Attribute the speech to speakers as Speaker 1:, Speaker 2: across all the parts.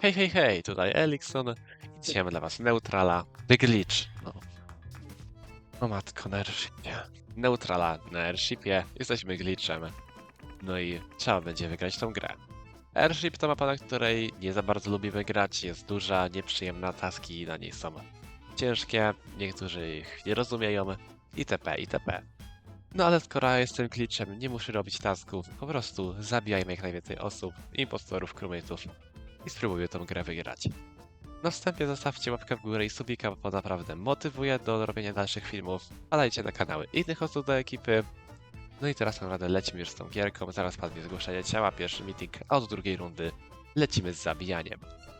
Speaker 1: Hej, hej, hej, tutaj Elikson i dzisiaj mamy dla was Neutrala, The Glitch. O matko, na airshipie. Neutrala na airshipie, jesteśmy glitchem. No i trzeba będzie wygrać tą grę. Airship to mapa, na której nie za bardzo lubimy grać, jest duża, nieprzyjemna, taski na niej są ciężkie, niektórzy ich nie rozumieją, itp., itp. No ale skoro ja jestem glitchem, nie muszę robić tasków, po prostu zabijajmy jak najwięcej osób, impostorów, crewmateów i spróbuję tą grę wygrać. Na wstępie zostawcie łapkę w górę i subika, bo naprawdę motywuje do robienia dalszych filmów. Wpadajcie na kanały innych osób do ekipy. No i teraz naprawdę lecimy już z tą gierką, zaraz padnie zgłoszenie ciała, pierwszy meeting, a od drugiej rundy lecimy z zabijaniem.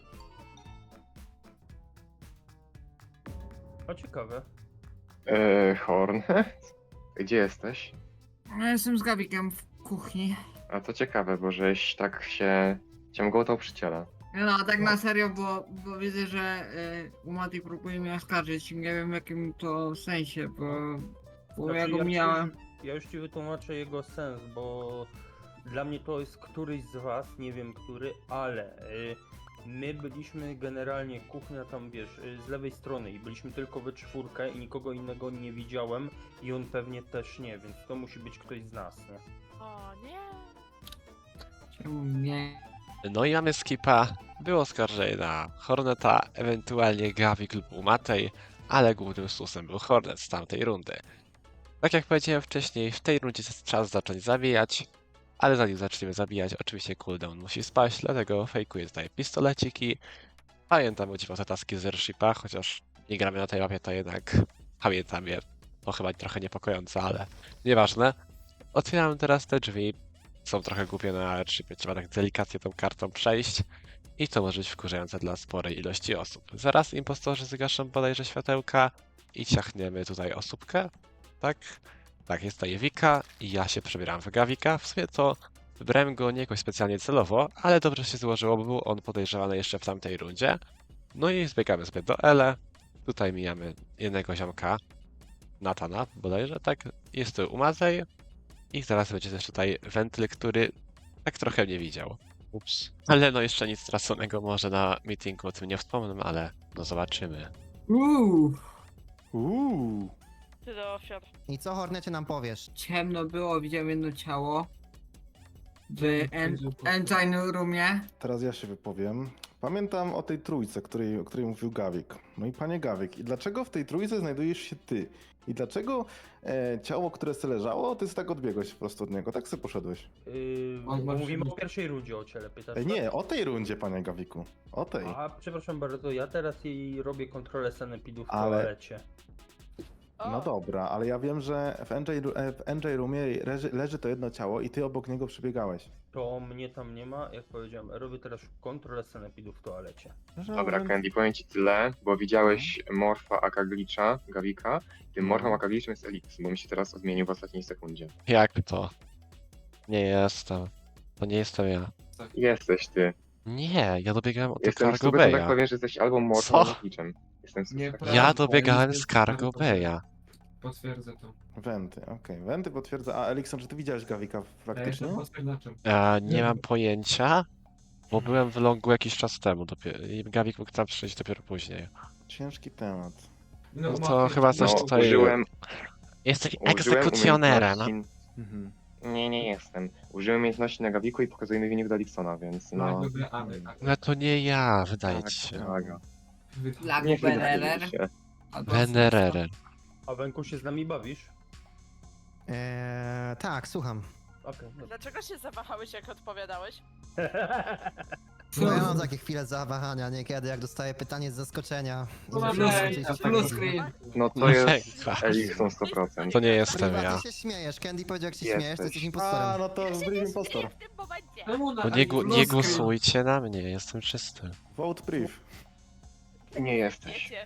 Speaker 2: O, ciekawe.
Speaker 3: Horn, gdzie jesteś?
Speaker 4: Ja jestem z Gawikiem w kuchni.
Speaker 3: A to ciekawe, bo żeś tak się ciągotał przy ciele.
Speaker 4: No, a tak na serio, bo widzę, że Umati próbuje mnie oskarżyć. Nie wiem w jakim to sensie, bo ja go miałem.
Speaker 2: Ja już ci wytłumaczę jego sens, bo dla mnie to jest któryś z was, nie wiem który, ale my byliśmy generalnie, kuchnia tam wiesz, z lewej strony i byliśmy tylko we czwórkę i nikogo innego nie widziałem i on pewnie też nie, więc to musi być ktoś z nas, nie?
Speaker 5: O nie.
Speaker 4: Czemu nie?
Speaker 1: No i mamy skipa, było oskarżenie na Horneta, ewentualnie Gawik lub Umatej, ale głównym susem był Hornet z tamtej rundy. Tak jak powiedziałem wcześniej, w tej rundzie jest czas zacząć zabijać, ale zanim zaczniemy zabijać, oczywiście cooldown musi spaść, dlatego fejkuję tutaj pistoleciki. Pamiętam o dziwo te taski z airshipa, chociaż nie gramy na tej mapie, to jednak pamiętam je. To chyba trochę niepokojące, ale nieważne. Otwieram teraz te drzwi. Są trochę głupie na airshipie, trzeba tak delikatnie tą kartą przejść. I to może być wkurzające dla sporej ilości osób. Zaraz impostorzy zgaszą bodajże światełka i ciachniemy tutaj osóbkę. Tak? Tak, jest tutaj Wika i ja się przebieram w Gawika. W sumie to wybrałem go nie jakoś specjalnie celowo, ale dobrze się złożyło, bo był on podejrzewany jeszcze w tamtej rundzie. No i zbiegamy sobie do Ele. Tutaj mijamy jednego ziomka, Natana bodajże, tak? Jest tu Umazej. I zaraz będzie też tutaj wentyl, który tak trochę mnie widział. Ups. Ale no jeszcze nic straconego, może na meetingu o tym nie wspomnę, ale no zobaczymy.
Speaker 5: Ty do ofiar.
Speaker 6: I co, Hornecie, nam powiesz?
Speaker 4: Ciemno było, widziałem jedno ciało. W engine roomie.
Speaker 7: Teraz ja się wypowiem. Pamiętam o tej trójce, o której mówił Gawik. No i panie Gawik, i dlaczego w tej trójce znajdujesz się ty? I dlaczego ciało, które se leżało, ty tak odbiegłeś po prostu od niego, tak sobie poszedłeś?
Speaker 4: On
Speaker 2: Mówimy o pierwszej rundzie o ciele, pytasz? tak?
Speaker 7: Nie, o tej rundzie, panie Gawiku. O tej.
Speaker 2: A, przepraszam bardzo, ja teraz jej robię kontrolę sanepidów w
Speaker 7: Ale-
Speaker 2: toalecie.
Speaker 5: O,
Speaker 7: No dobra, ale ja wiem, że w NJ Roomie leży to jedno ciało i ty obok niego przebiegałeś.
Speaker 2: To mnie tam nie ma, jak powiedziałem, robię teraz kontrolę sanepidów w toalecie.
Speaker 3: Dobra, Candy, powiem ci tyle, bo widziałeś Morfa aka Glitcha, Gawika. Tym Morfem aka Glitchem jest Elix, bo mi się teraz odmienił w ostatniej sekundzie.
Speaker 1: Jak to? Nie jestem. To nie jestem ja.
Speaker 3: Jesteś ty.
Speaker 1: Nie, ja dobiegałem od
Speaker 3: Jestem
Speaker 1: Cargo
Speaker 3: 100% tak
Speaker 1: Bay'a.
Speaker 3: pewien, że jesteś albo Morfem,
Speaker 1: Co?
Speaker 3: albo Glitchem. Jestem
Speaker 8: Nie,
Speaker 3: super.
Speaker 1: Ja dobiegałem z Cargo Bay'a.
Speaker 8: Potwierdzę to.
Speaker 7: Wenty, okej. Wenty potwierdza. A Elikson, czy ty widziałeś Gawika
Speaker 8: Ja
Speaker 7: faktycznie?
Speaker 8: jestem pospierdaczem.
Speaker 1: Nie mam pojęcia, bo byłem w longu jakiś czas temu dopiero i Gawik mógł tam przyjść dopiero później.
Speaker 7: Ciężki temat.
Speaker 1: No to chyba coś
Speaker 3: No,
Speaker 1: tutaj-
Speaker 3: użyłem
Speaker 1: Jesteś
Speaker 3: użyłem
Speaker 1: egzekucjonerem.
Speaker 3: umiejętności...
Speaker 7: Mhm.
Speaker 3: Nie jestem. Użyłem umiejętności na Gawiku i pokazuję mi wynik do Eliksona, więc no...
Speaker 8: Lubię Ady.
Speaker 1: No to nie ja, wydaje
Speaker 3: Tak,
Speaker 1: ci się.
Speaker 3: tak.
Speaker 4: Lagu
Speaker 3: Nie wydaje
Speaker 4: Benerer.
Speaker 3: mi się.
Speaker 1: Venerere.
Speaker 2: A Wenku się z nami bawisz?
Speaker 6: Tak, słucham.
Speaker 2: Okej, dobra.
Speaker 5: dlaczego się zawahałeś, jak odpowiadałeś?
Speaker 6: No ja mam takie chwile zawahania niekiedy, jak dostaję pytanie z zaskoczenia. I
Speaker 4: Plus-
Speaker 6: muszę powiedzieć,
Speaker 4: plus
Speaker 6: że-
Speaker 4: screen.
Speaker 3: No to
Speaker 1: No
Speaker 3: jest
Speaker 1: tak.
Speaker 3: Elikson 100%.
Speaker 1: To nie jestem
Speaker 6: Priwa,
Speaker 1: ja.
Speaker 6: ty się śmiejesz, Candy powiedział, jak się
Speaker 3: Jesteś.
Speaker 6: śmiejesz, to jesteś
Speaker 7: A,
Speaker 6: impostorem.
Speaker 7: no to Brief Impostor.
Speaker 5: w tym momencie.
Speaker 8: Czemu na
Speaker 1: No nie głosujcie na mnie, jestem czysty.
Speaker 7: Vote Brief.
Speaker 3: Nie jesteś.
Speaker 5: Wiecie.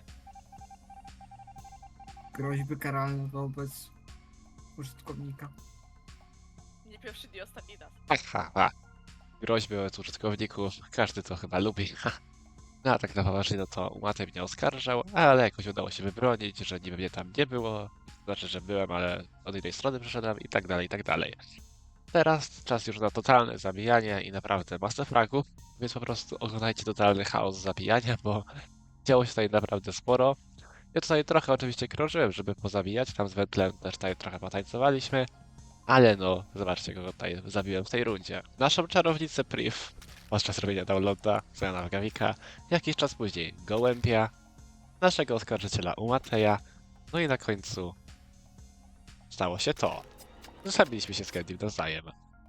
Speaker 4: Groźby karalne wobec użytkownika.
Speaker 5: Nie pierwszy, nie ostatni raz.
Speaker 1: Ha. Groźby od użytkowników, każdy to chyba lubi. No a tak na poważnie, no to Umatej mnie oskarżał, ale jakoś udało się wybronić, że niby mnie tam nie było. Znaczy, że byłem, ale od innej strony przyszedłem i tak dalej, i tak dalej. Teraz czas już na totalne zabijanie i naprawdę masę fragów, więc po prostu oglądajcie totalny chaos zabijania, bo działo się tutaj naprawdę sporo. Ja tutaj trochę oczywiście krążyłem, żeby pozabijać, tam z Wentlem też tutaj trochę potańcowaliśmy, ale no, zobaczcie kogo tutaj zabiłem w tej rundzie. Naszą czarownicę Priv podczas robienia downloada, Zena Gawika, jakiś czas później Gołębia, naszego oskarżyciela Umateja, no i na końcu stało się to. Zabiliśmy się z Candy nawzajem.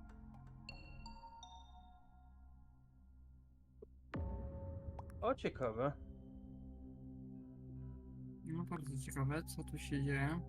Speaker 2: O, ciekawe.
Speaker 4: No bardzo ciekawe, co tu się dzieje.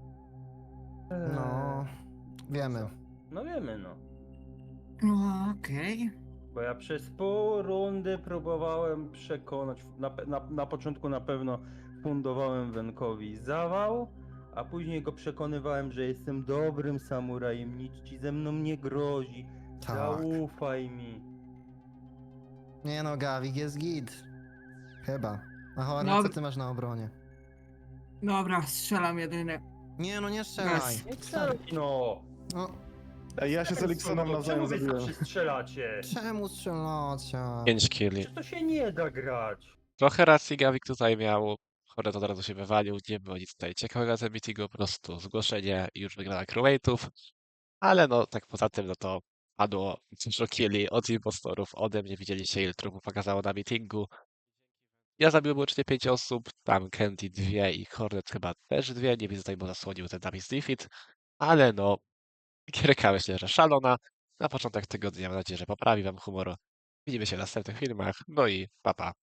Speaker 6: No, wiemy.
Speaker 2: No wiemy, no.
Speaker 4: No okej.
Speaker 2: Bo ja przez pół rundy próbowałem przekonać, na początku na pewno fundowałem Wenkowi zawał, a później go przekonywałem, że jestem dobrym samurajem, nic ci ze mną nie grozi,
Speaker 6: Tak.
Speaker 2: zaufaj mi.
Speaker 6: Nie no, Gawik jest git. Chyba. A Hornet, co
Speaker 4: Dobra.
Speaker 6: ty masz na obronie?
Speaker 4: Dobra, strzelam jedyny.
Speaker 6: Nie no, nie strzelaj.
Speaker 2: Nie strzelaj, no!
Speaker 6: No,
Speaker 7: Ej, ja się z Eliksonem nawzajem
Speaker 2: Czemu wy
Speaker 7: zabiłem.
Speaker 2: zawsze strzelacie?
Speaker 6: czemu strzelacie?
Speaker 1: 5 killi.
Speaker 2: Przecież to się nie da grać.
Speaker 1: Trochę racji Gawik tutaj miał. Hornet od razu się wywalił, nie było nic tutaj ciekawego na tym meetingu, po prostu zgłoszenie i już wygrana crewmate'ów. Ale no, tak poza tym, no to padło dużo killi od impostorów, ode mnie widzieliście ile trupów pokazało na meetingu. Ja zabiłem łącznie 5 osób, tam Candy 2 i Hornet chyba też 2, nie widzę tutaj, bo zasłonił ten Davis Defeat. Ale no, gierka myślę, że szalona. Na początek tygodnia mam nadzieję, że poprawi wam humor. Widzimy się w następnych filmach, no i pa pa.